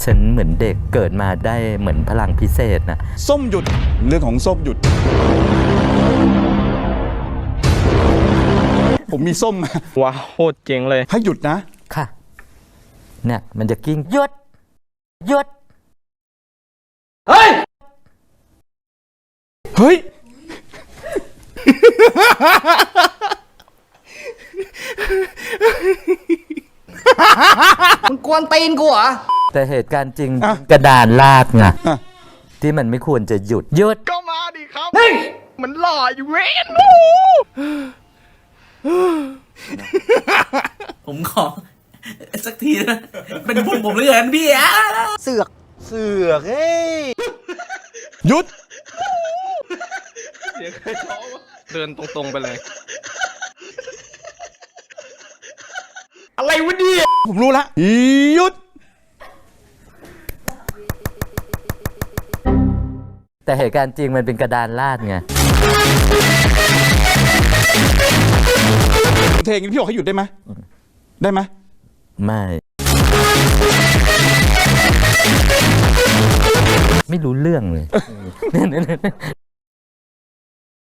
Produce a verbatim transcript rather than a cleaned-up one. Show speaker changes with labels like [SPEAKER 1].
[SPEAKER 1] ฉันเหมือนเด็กเกิดมาได้เหมือนพลังพิเศษนะ
[SPEAKER 2] ส้มหยุดเรื่องของส้มหยุด ผมมีส้มมา
[SPEAKER 3] ว้าวโคตรเจ๋งเลย
[SPEAKER 2] ให้หยุดนะ
[SPEAKER 1] ค่ะเนี่ยมันจะกิ้งหยุดหยุด
[SPEAKER 2] เฮ้ยเฮ้ย
[SPEAKER 4] มึงกวนตีนกูเหรอ
[SPEAKER 1] แต่เหตุการณ์จริงกระดานลาดไงที่มันไม่ควรจะหยุดหยุด
[SPEAKER 3] ก็มาดิครับมันหล่ออยู่เว้น
[SPEAKER 4] ผมขอสักทีนะเป็นบุญผมเหลือเกินพี่อะเสือกเสือกเฮ้ย
[SPEAKER 2] หยุด
[SPEAKER 3] เสียงใครท้อวะเดินตรงๆไปเลย
[SPEAKER 2] อะไรวะเนี่ยผมรู้ละหยุด
[SPEAKER 1] แต่เหตุการณ์จริงมันเป็นกระดานลาดไง
[SPEAKER 2] เทงพี่บอกให้หยุดได้ไหมได้ไหม
[SPEAKER 1] ไม่ไม่รู้เรื่องเลย